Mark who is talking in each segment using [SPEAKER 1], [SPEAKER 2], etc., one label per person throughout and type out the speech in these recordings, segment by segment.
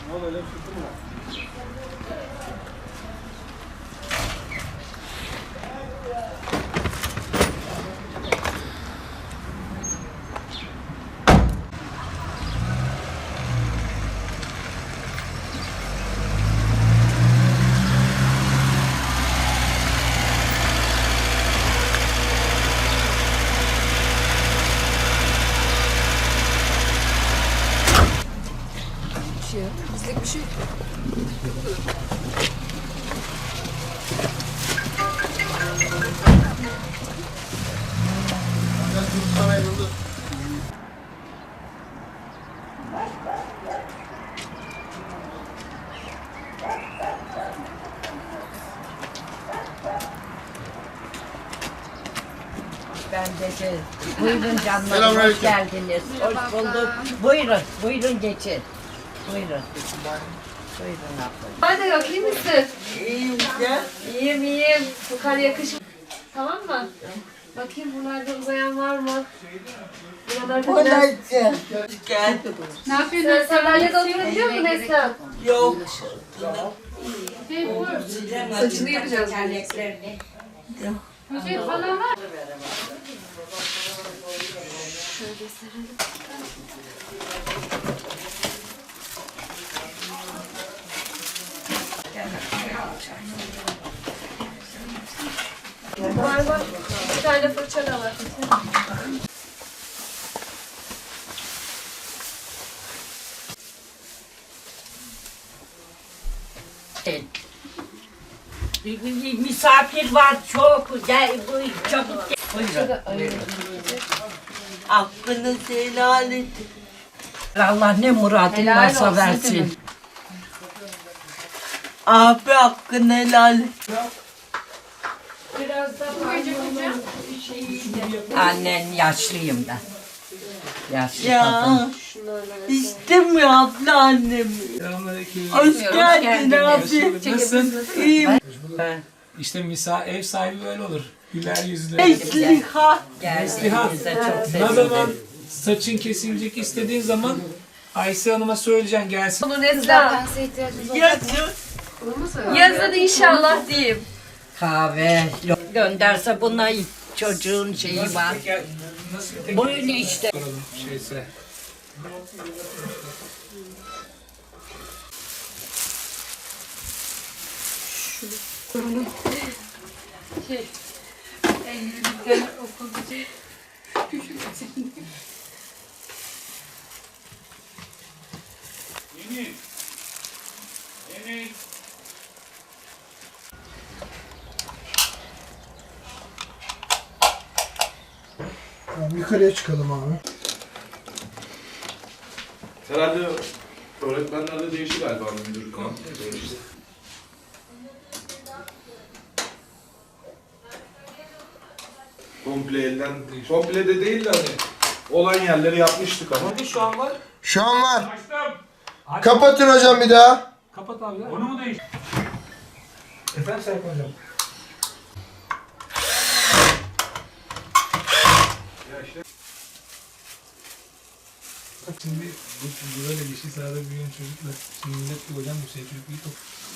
[SPEAKER 1] Bizlik bir şey yok.
[SPEAKER 2] Ben de buyurun canlarım, hoş geldiniz. Hoş bulduk. Buyurun, buyurun geçin. Buyurun. Buyurun abla.
[SPEAKER 1] Hadi yok, iyi misin?
[SPEAKER 2] İyiyim ya.
[SPEAKER 1] İyiyim, iyiyim. Bu kar yakışır. Tamam mı? Bakayım buralarda uzayan var mı? Buralarda biraz...
[SPEAKER 2] Gel.
[SPEAKER 1] Ne yapıyorsun? Sen sandalyede oturabiliyor musun Neslihan?
[SPEAKER 2] Yok.
[SPEAKER 1] Saçını yapacağız. Şey falan var. Şöyle serelim. Var. Bir tane fırça da var.
[SPEAKER 2] Misafir var çok. Gel buyur çabuk gel. Buyurun. Hakkınızı helal edin. Allah ne muradın varsa versin. Abi hakkını helal et.
[SPEAKER 1] Biraz daha koyacağım.
[SPEAKER 2] Annen yaşlıyım ben. Yaşlı kadın. İstemiyor abla annemi. Hoş geldin abi.
[SPEAKER 3] Nasılsın?
[SPEAKER 2] İyiyim.
[SPEAKER 3] İşte ev sahibi böyle olur. Güler yüzlü.
[SPEAKER 2] Esliha.
[SPEAKER 3] Esliha.
[SPEAKER 2] Geldiğinize çok
[SPEAKER 3] Ne zaman
[SPEAKER 2] sevindim.
[SPEAKER 3] saçın kesilecek istediğin zaman Ayşe Hanım'a söyleyeceksin gelsin.
[SPEAKER 1] Bunu Neslihan. Yazın inşallah diyeyim.
[SPEAKER 2] Kahve gönderse buna çocuğun şeyi var.
[SPEAKER 3] Nasıl tek
[SPEAKER 2] Böyle işte.
[SPEAKER 3] soralım şeyse.
[SPEAKER 4] Tamam, yukarıya çıkalım abi.
[SPEAKER 5] Herhalde öğretmenlerde değişir galiba müdür. Komple elden, komple de değil de hani olan yerleri yapmıştık ama.
[SPEAKER 3] Hadi şu an var.
[SPEAKER 4] Şu an var. Kapatın hocam bir daha.
[SPEAKER 3] Kapat abi. Onu mu değiş? Efendim Serkan Hocam. Şimdi bu böyle yeşil sahada büyüyen çocuklar. Şimdi millet bir hocam bu şey çocuk iyi top.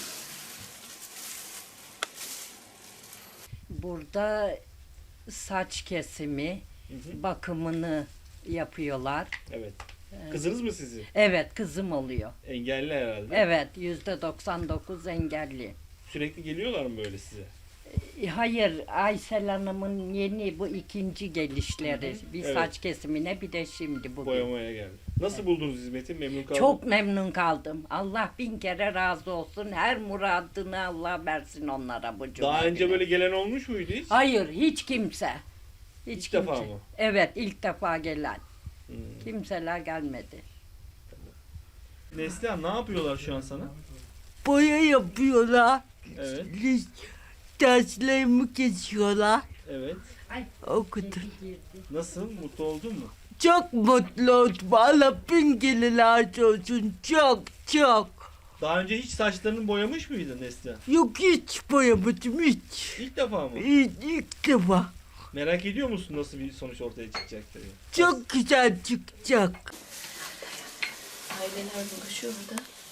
[SPEAKER 2] Burada saç kesimi, bakımını yapıyorlar.
[SPEAKER 6] Evet. Kızınız mı sizin?
[SPEAKER 2] Evet, kızım oluyor.
[SPEAKER 6] Engelli herhalde.
[SPEAKER 2] Evet, %99 engelli.
[SPEAKER 6] Sürekli geliyorlar mı böyle size?
[SPEAKER 2] Hayır, Aysel Hanım'ın yeni bu ikinci gelişleri. Bir
[SPEAKER 6] Evet.
[SPEAKER 2] saç kesimine bir de şimdi bugün.
[SPEAKER 6] Boyamaya geldi. Nasıl buldunuz hizmeti? Memnun kaldınız?
[SPEAKER 2] Çok memnun kaldım. Allah bin kere razı olsun. Her muradını Allah versin onlara bu cuma
[SPEAKER 6] Daha önce
[SPEAKER 2] günü.
[SPEAKER 6] böyle gelen olmuş muydu hiç?
[SPEAKER 2] Hayır, hiç kimse.
[SPEAKER 6] İlk defa mı?
[SPEAKER 2] Evet, ilk defa gelen. Kimseler gelmedi.
[SPEAKER 6] Neslihan ne yapıyorlar şu an sana?
[SPEAKER 2] Boya yapıyorlar.
[SPEAKER 6] Evet.
[SPEAKER 2] Derslerimi kesiyorlar.
[SPEAKER 6] Evet.
[SPEAKER 2] Okudum.
[SPEAKER 6] Nasıl? Mutlu oldun mu?
[SPEAKER 2] Çok mutlu oldum. Allah bin kere razı olsun. Çok çok.
[SPEAKER 6] Daha önce hiç saçlarını boyamış mıydın Neslihan?
[SPEAKER 2] Yok hiç boyamadım hiç.
[SPEAKER 6] İlk defa mı?
[SPEAKER 2] İlk defa.
[SPEAKER 6] Merak ediyor musun nasıl bir sonuç ortaya çıkacak diye?
[SPEAKER 2] Çok güzel çıkacak.
[SPEAKER 1] Aileler buluşuyor burada.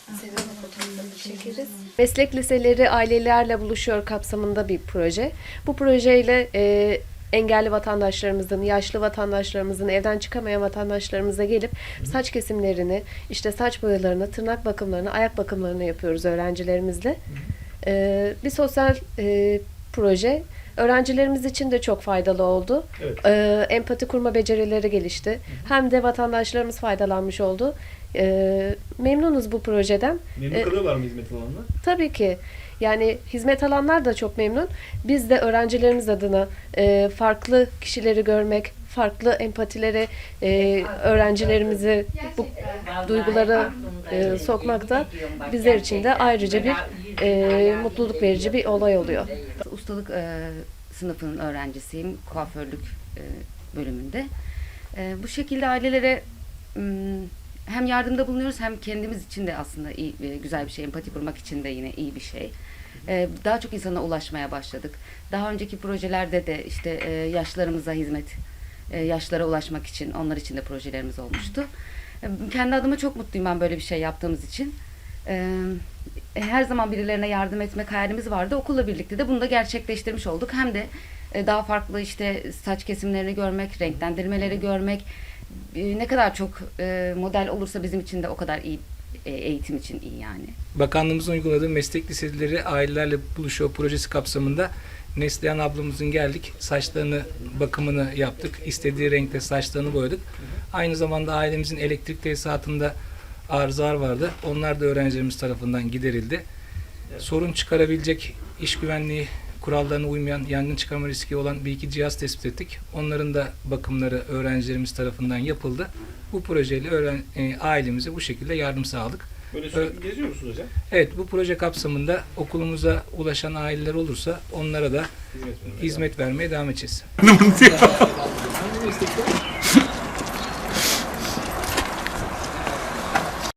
[SPEAKER 1] Meslek liseleri ailelerle buluşuyor kapsamında bir proje. Bu projeyle engelli vatandaşlarımızın, yaşlı vatandaşlarımızın, evden çıkamayan vatandaşlarımıza gelip saç kesimlerini, işte saç boyalarını, tırnak bakımlarını, ayak bakımlarını yapıyoruz öğrencilerimizle. Bir sosyal proje. Öğrencilerimiz için de çok faydalı oldu.
[SPEAKER 6] Evet.
[SPEAKER 1] Empati kurma becerileri gelişti. Hem de vatandaşlarımız faydalanmış oldu. Memnunuz bu projeden.
[SPEAKER 6] Memnun kalıyorlar mı hizmet alanlar?
[SPEAKER 1] Tabii ki. Yani hizmet alanlar da çok memnun. Biz de öğrencilerimiz adına farklı kişileri görmek, farklı empatileri öğrencilerimizi bu duygulara sokmak da bizler için de ayrıca bir mutluluk verici bir olay oluyor.
[SPEAKER 7] Ustalık sınıfının öğrencisiyim, kuaförlük bölümünde. Bu şekilde ailelere hem yardımda bulunuyoruz hem kendimiz için de aslında iyi, güzel bir şey. Empati kurmak için de yine iyi bir şey. Daha çok insana ulaşmaya başladık. Daha önceki projelerde de işte yaşlılarımıza hizmet, yaşlılara ulaşmak için, onlar için de projelerimiz olmuştu. Kendi adıma çok mutluyum ben böyle bir şey yaptığımız için. Her zaman birilerine yardım etmek hayalimiz vardı. Okulla birlikte de bunu da gerçekleştirmiş olduk. Hem de daha farklı işte saç kesimlerini görmek, renklendirmeleri görmek, ne kadar çok model olursa bizim için de o kadar iyi, eğitim için iyi yani.
[SPEAKER 3] Bakanlığımızın uyguladığı meslek liseleri ailelerle buluşuyor projesi kapsamında Neslihan ablamızın geldik, saçlarını, bakımını yaptık. İstediği renkte saçlarını boyadık. Aynı zamanda ailemizin elektrik tesisatında arızalar vardı. Onlar da öğrencilerimiz tarafından giderildi. Sorun çıkarabilecek, iş güvenliği kurallarına uymayan, yangın çıkarma riski olan bir iki cihaz tespit ettik. Onların da bakımları öğrencilerimiz tarafından yapıldı. Bu projeyle ailemize bu şekilde yardım sağladık.
[SPEAKER 6] Böyle sürekli geziyor musunuz hocam?
[SPEAKER 3] Evet, bu proje kapsamında okulumuza ulaşan aileler olursa onlara da hizmet vermeye devam edeceğiz.
[SPEAKER 6] Hangi meslekler?